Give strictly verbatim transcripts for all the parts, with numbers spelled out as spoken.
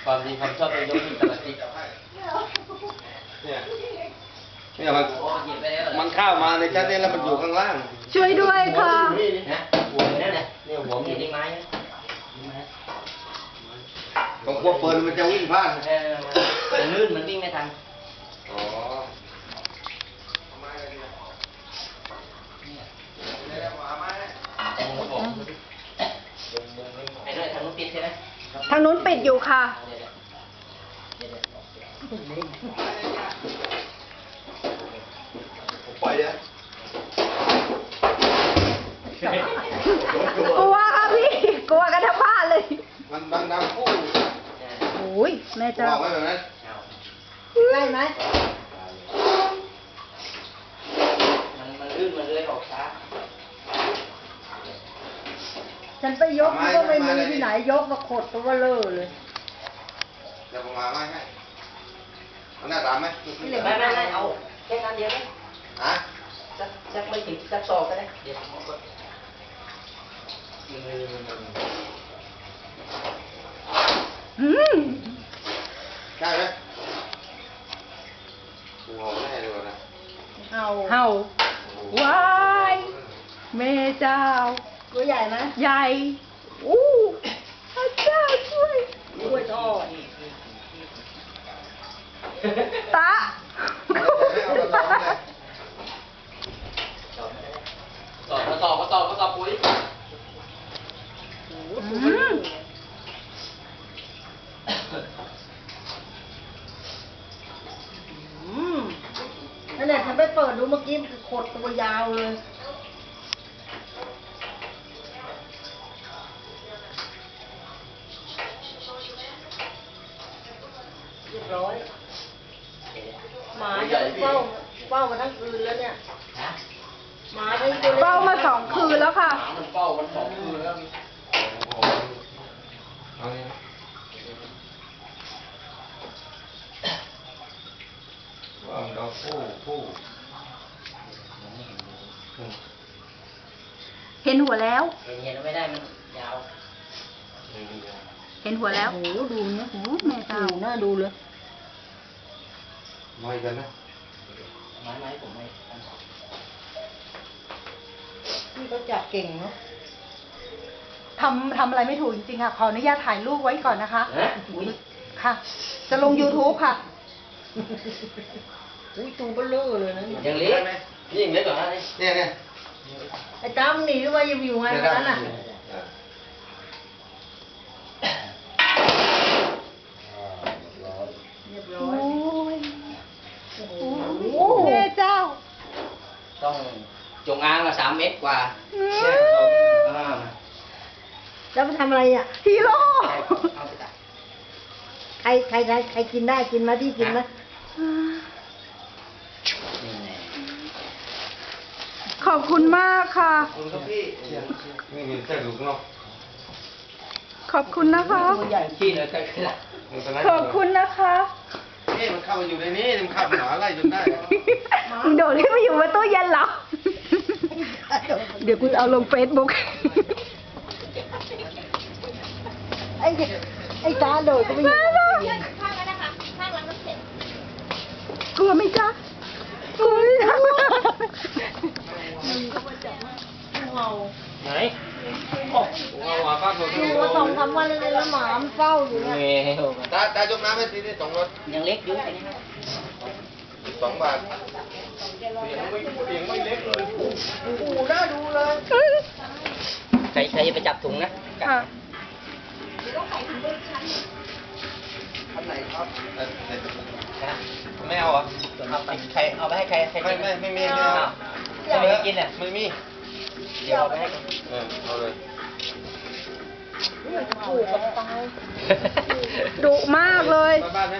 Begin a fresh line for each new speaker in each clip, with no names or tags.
ความดีความชอบเป็นยกขึ้นแต่ละที
เนี่ยเนี่ยมันมันเข้ามาในชั้นนี้แล้วมันอยู่ข้างล่าง
ช่วยด้วยค่ะ
นะหัวนี่แหละเนี่ยหัวมีที่ไม้
ตรงพวกเฟิร์นมันจะวิ่งพลาด
เออมันลื่นมันวิ่งไม่ทัน
อ๋อ
ไอ้ด้วยทางนู้นปิดใช่ไหม
ทางนู้นปิดอยู่ค่ะ
ผมปล่อยเลย
กลัวค่ะพี่ กลัวกันทั้งบ้านเลย
มันดังดังคู่
โอ้ยแม่เจ้า
บอกไว้แบบนั้น
ได้ไหม
มันมันลื่นมันเลยออกช้า
ฉันไปยกก็ไม่มีที่ไหนยกมาขดตัวเลอะเลย
เดี๋ยวผมมาไว้ให้มันน่าตามไหม
ไม่ไม่ไม่เอาแค่นั้นเดียวเอง
ฮะ
สักสักไม่ถึงสักศอกก็ได้เดี๋ยวผมก็มือ
อืม
ได้ไหมกูงงแน่เลยนะ
เอาเห่าว้ายแม่เจ้า
ตัวใหญ่ไหม
ใหญ่ อู้พระเจ้าช่วย
กล้วยทอด
ตา
ต่อมาต่อมาต่อมาต่อปุ๋ย
อืม
อืมนั่นแหละฉันไปเปิดดูเมื่อกี้มันขดตัวยาวเลยเรียบร้อยหมาจะเฝ้าเฝ้ามาทั้งคืนแล้วเนี่ยหมาทั้งคืน
เฝ้ามาสองคืนแล้วค่ะ
มันเฝ้ามันสองคืนแล้ว
เอาเนี่ยว่าเราคู่คู่
เห็นหัวแล้ว
เห็นเห็นไม่ได้มันยาว
เห็นหัวแล้ว
โอ้โหดูเนี่ย
โอ้แม่เจ้า
ดูน่าดูเลย
ไม่กันนะ
ไม้ไม้ผมไม่
นี่เขาจับเก่งเนาะ
ทำทำอะไรไม่ถูกจริงๆค่ะ ขออนุญาตถ่ายรูปไว้ก่อนนะคะ
ฮะอุ้ย
ค่ะ จะลง YouTube ค่ะ
อุ้ยตูเบลเลอร์เลยนะเนี่ย
ยังเล็กนี่ยังเล็กกว่านั้น
เนี่ยเนี่ย
ไอ้จ้ำหนีมาอยู่อยู่ไงวันนั้นน่ะ เรียบร้อ
โอ้
ย
ย
โอ้โห
โอ้แม่เจ้า
ต้องจงอางละสามเมตรกว่า
อืม
เนี่ยเอาอ่า
แล้วไปทำอะไรอ่ะ
ฮีโร่
เอาไปตัด
ใครใครใครใครกินได้กินไหมที่กินไหม
นี่แน่
ขอบคุณมากค่ะ
คุณครับพี่นี่มีแค่ลูกนอก
ขอบคุณนะคะ
ตัวใหญ่
ขี้เลยก็คือละ
ขอบคุณนะคะ
นี่มันเข้ามาอยู่ในนี้มันขับหมาไล่จนได้
มึงโดดขึ้นมาอยู่บนตู้เย็นเหรอ เดี๋ยวกูเอาลงเฟซบุ๊ก
ไอ้ไอ้ตาโดดก็ไม่อยู่
กลัวไหมจ๊ะกลัวไหมจ๊ะ
เมา
ไหน
เอาหมาป้าผม
อยู่มาสองสามวันเลยแล้วหมามันเฝ้าอยู่เนี่ย
เงี้ย
ตาตายกน้ำให้ทีนี่สองรถ
ยังเล็กอยู่อันนี้ครับ
สองบาทเสียงไม่เสียงไม่เล็กเลย
โอ้โหน่าดูเลย
ใครใครจะไปจับถุงนะ
ค่ะ
อันไหนครับ
นะ
ไม่เอาอ่ะ
เอาไปใครเอาไปให้ใครใคร
ไม่
กิน
ไม่ไม่มีไม่เอา
จะไม่กินอ่ะ
ไม่มี
เดี๋ยวเอาไปให้กัน
เออเอาเลย
ขู่กับตาย
ดุมากเลย
มาบ้านไหม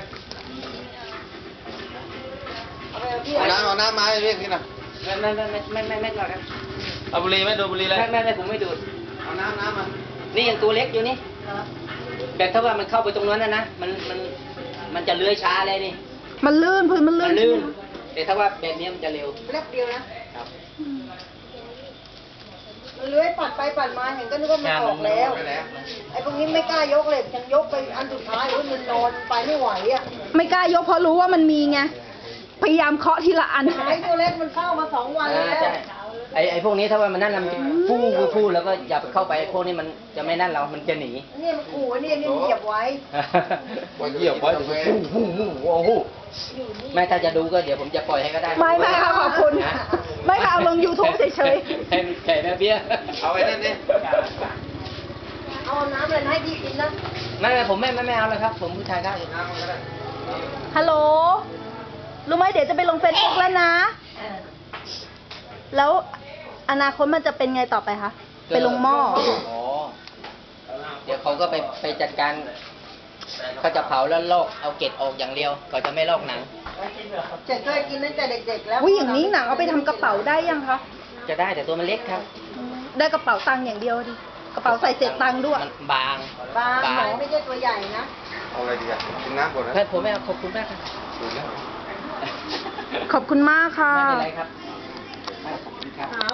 เอาไปเอาที่
เอาน้ำเอาน้ำมาให้เรียกนี่นะ
ไม่ไม่ไม่ไม่ไม่ไม่ก่อนครับ
เอาบุหรี่ไหมดูบุหรี่เลย
ไม่ไม่ไม่ผมไม่ดูด
เอาน้ำน้ำมา
นี่ยังตัวเล็กอยู่นี่แต่ถ้าว่ามันเข้าไปตรงนั้นนะนะมันมันมันจะเลื้อยช้าเลยนี่
มันลื่นพื้นมันลื่
มัน นลื่นแต่ถ้าว่าแบบนี้มันจะเร็ว
แป๊บเดียวนะ
ครับ
แล้วเลื้อยปัดไปปัดมาเห็นก็นึกว่ามันออกแล้ว ไอ้พวกนี้ไม่กล้ายกเลยยังยกไปอันสุดท้ายโอ้ยมันนอนไปไม่ไหวอ่ะ
ไม่กล้ายกเพราะรู้ว่ามันมีไง พยายามเคาะทีละอัน
หายตัวเล็กมันเข้ามาสองวัน
อ่า
แล้ว
ใช่ไอไอพวกนี้ถ้าว่ามันนั่นเรามันจะฟู่ฟู่ฟู่แล้วก็อย่าไปเข้าไปพวกนี้มันจะไม่นั่นเรา มันจะหนี
นี่มันขู่นี่นี่เหยียบไว้
ว่าเหยียบไว้จะไป
ฟู่ฟู่ฟู่โอ้โหไม่ถ้าจะดูก็เดี๋ยวผมจะปล่อยให้ก็ได้
ไม่ไม่ค่ะขอบคุณ
นะ
ไม่ค่ะเอาลง YouTube เฉย
ให้มันแข่แม่เบี้ย
เอาไว้นั่นนี่
เอาน้ำอะไรให้พี่กินนะ
ไม่ไม่ผมไม่ไม่ไม่เอาแล้วครับ ผมผู้ชายได้
น้ำมันก็ได้
ๆ ฮัลโหล รู้ไหมเดี๋ยวจะไปลงเฟซบุ๊กแล้วนะ แล้วอนาคตมันจะเป็นไงต่อไปคะ ไปลงหม้อ
อ๋อเดี๋ยวเขาก็ไปไปจัดการเขาจะเผาแล้วลอกเอาเกล็ดออกอย่างเดียวเขาจะไม่ลอกหนัง
เจ๊เคยกินตั้งแต่เด็กๆแล้ว
อุ้ยอย่างนี้หนังเอาไปทำกระเป๋าได้ยังคะ
จะได้แต่ตัวมันเล็กครับ
ได้กระเป๋าตังค์อย่างเดียวดิ กระเป๋าใส่เศษตังค์ด้วย
มันบาง
บางหน่อยไม่ใช่ตัวใหญ่นะ
เอาอะไรดีอ่ะกินน้ำก่อนนะ
เพื่อนผมไม่เอาขอบคุณมากครับ
ดูแล้ว
ขอบคุณมากค่ะ
ไม่เป็นไรครับ